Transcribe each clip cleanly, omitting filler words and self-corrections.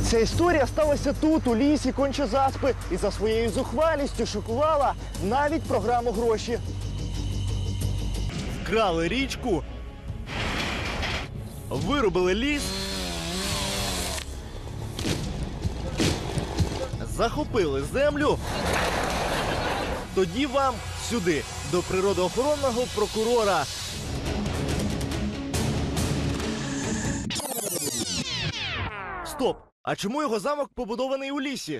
Ця історія сталася тут, у лісі Конча-Заспи, і за своєю зухвалістю шокувала навіть програму «Гроші». Вкрали річку, вирубили ліс, захопили землю. Тоді вам сюди, до природоохоронного прокурора. Стоп! А чому його замок побудований у лісі?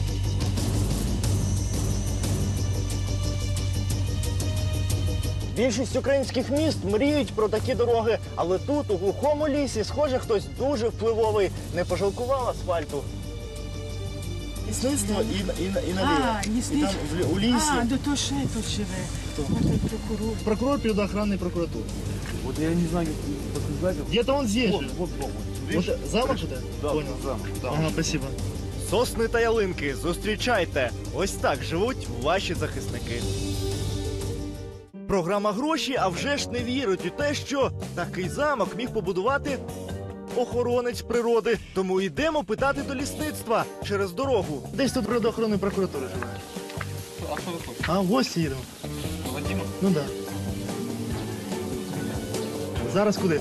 Більшість українських міст мріють про такі дороги, але тут, у глухому лісі, схоже, хтось дуже впливовий не пожалкував асфальту. Лісництво і наліво. лісничий. І там у лісі. А, то ще тут живе. Хто? Отой прокурор. Прокурор природоохранной прокуратуры. Вот я не знаю, как сказать. Где-то он здесь же. Вот. Вот замок же, да? Да, Понял. замок. Ага, спасибо. Сосни та ялинки, зустрічайте! Ось так живуть ваші захисники. Програма «Гроші», а вже ж не вірить у те, що такий замок міг побудувати охоронець природи. Тому йдемо питати до лісництва через дорогу. Десь тут природоохоронної прокуратури живе. А что вы хотите? А в гості їдемо. Вадима? Ну так. Да. Зараз куди?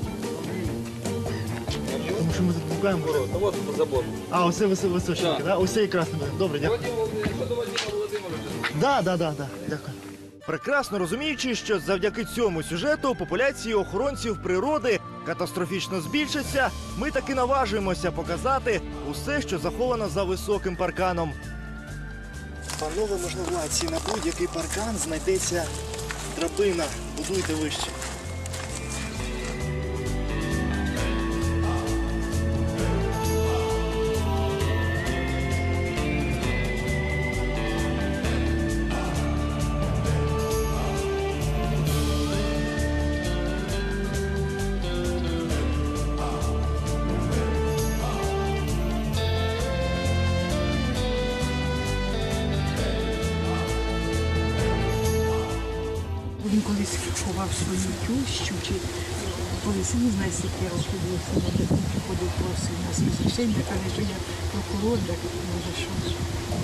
Тому що ми тут блукаємо. Ну вот забор. А, оце височеньки, Да. да? Оце якраз не буде. Добре, дякую. Вадима Владимировича. Да. Дякую. Прекрасно розуміючи, що завдяки цьому сюжету популяції охоронців природи катастрофічно збільшаться, ми таки наважуємося показати усе, що заховано за високим парканом. Панове можновладці, на будь-який паркан знайдеться драбина. Будуйте вище. Він колись ховав свою тющу, чи колись, не знаю, скільки років було, він приходив просив нас розрішення, каже, що я прокурор, так може що.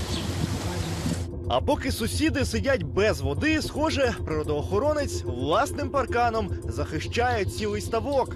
А поки сусіди сидять без води, схоже, природоохоронець власним парканом захищає цілий ставок.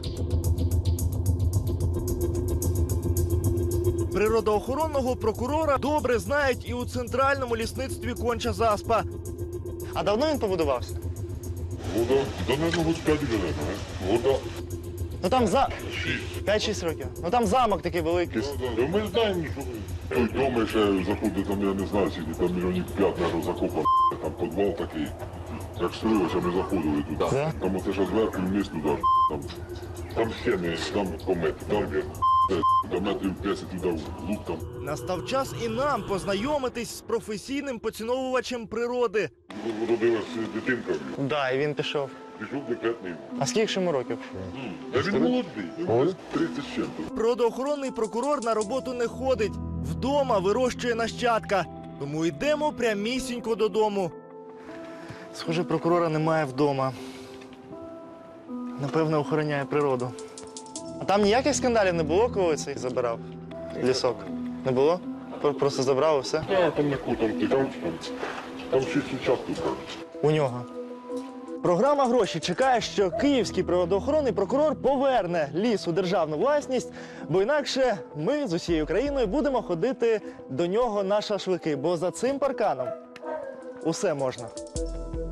Природоохоронного прокурора добре знають і у центральному лісництві Конча-Заспа. А давно він побудувався? Вода, да, наверное, вот 5 лет, Вода Ну там 6. 5-6 років. Ну там замок такий великий. Да, ми знаємо, що той дом ще заходить, там, я не знаю, скільки, там мільйонів 5, наверное, закопано, там підвал такий. Як строїлося, ми заходили туди. Да? Там оце ще зверху вниз туди, там стіни, там комет, там до метрів 10 туди в лук там. Настав час і нам познайомитись з професійним поціновувачем природи. Родилась дитинка, Да, і він пішов. пішов декретний. А скільки ж йому років? А він молодий, йому 30 з чим-то. Природоохоронний прокурор на роботу не ходить. Вдома вирощує нащадка. Тому йдемо прямісінько додому. Схоже, прокурора немає вдома. Напевно, охороняє природу. А там ніяких скандалів не було, коли цей забирав лісок? Не було? Просто забрав і все? Там на кутом, там 6 участків. У нього. Програма «Гроші» чекає, що київський природоохоронний прокурор поверне ліс у державну власність, бо інакше ми з усією країною будемо ходити до нього на шашлики, бо за цим парканом усе можна.